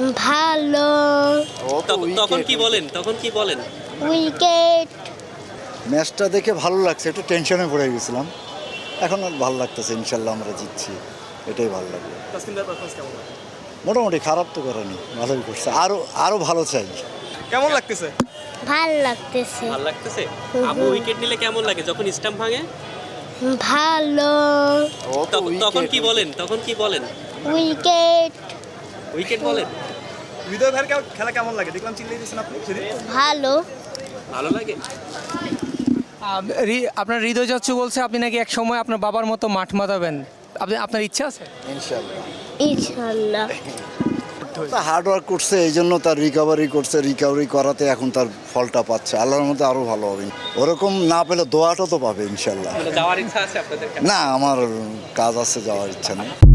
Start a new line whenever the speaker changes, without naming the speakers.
ভালো।
তখন কি বলেন
উইকেট।
ম্যাচটা দেখে ভালো লাগছে, একটু টেনশনে পড়ে গেছিলাম, এখন আর ভালো লাগতেছে। ইনশাল্লাহ আমরা জিতছি, এটাই ভালো লাগলো। মোটামুটি খারাপ তো করেনি, ভালোই করছে, আরো ভালো চাই।
কেমন লাগতেছে?
ভালো লাগতেছে।
ভালো লাগতেছে? আবু উইকেট নিলে কেমন লাগে যখন স্টাম্প ভাঙে?
ভালো।
তখন কি বলেন?
উইকেট।
উইকেট বলেন?
হৃদয় ভাইয়ের খেলা কেমন লাগে? দেখলাম চিল্লিয়ে দিয়েছেন আপনি।
ভালো।
ভালো লাগে।
আপনার হৃদয় যাচ্ছু বলছে আপনি নাকি এক সময় আপনার বাবার মতো মাঠ মাতাবেন, আপনার ইচ্ছা আছে?
ইনশাল্লাহ।
ইনশাআল্লাহ।
হার্ড ওয়ার্ক করছে, এই জন্য তার রিকভারি করাতে এখন তার ফলটা পাচ্ছে। আল্লাহর মধ্যে আরো ভালো হবে, ওরকম না পেলে দোয়াটা তো পাবে ইনশাল্লাহ।
যাওয়ার ইচ্ছা আছে আপনাদের?
না, আমার কাজ আছে, যাওয়ার ইচ্ছা নেই।